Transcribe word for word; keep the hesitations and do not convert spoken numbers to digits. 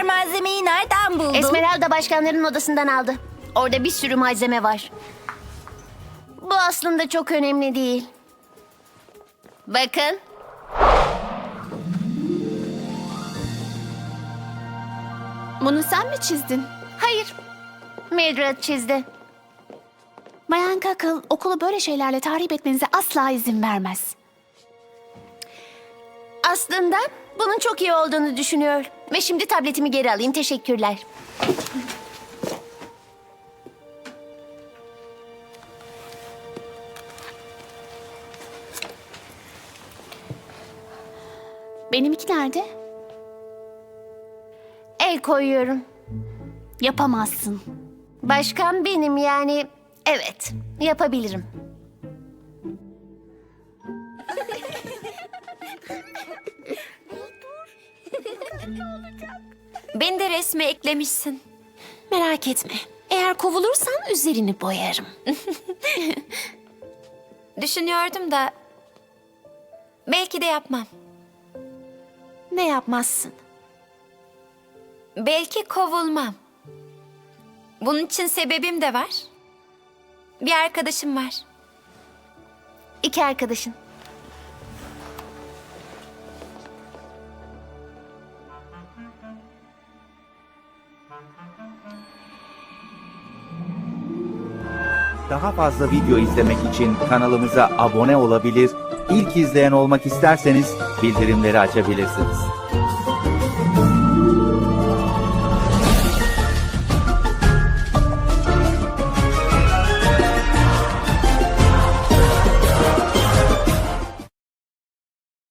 kadar malzemeyi nereden buldun? Esmeralda başkanların odasından aldı. Orada bir sürü malzeme var. Bu aslında çok önemli değil. Bakın. Bunu sen mi çizdin? Hayır. Mildred çizdi. Bayan Kakıl okulu böyle şeylerle tahrip etmenize asla izin vermez. Aslında bunun çok iyi olduğunu düşünüyor. Ve şimdi tabletimi geri alayım. Teşekkürler. Benimki nerede? El koyuyorum. Yapamazsın. Başkan benim yani. Evet, yapabilirim. Beni de resme eklemişsin. Merak etme. Eğer kovulursan üzerini boyarım. Düşünüyordum da belki de yapmam. Ne yapmazsın? Belki kovulmam. Bunun için sebebim de var. Bir arkadaşım var. İki arkadaşın. Daha fazla video izlemek için kanalımıza abone olabilir, ilk izleyen olmak isterseniz bildirimleri açabilirsiniz.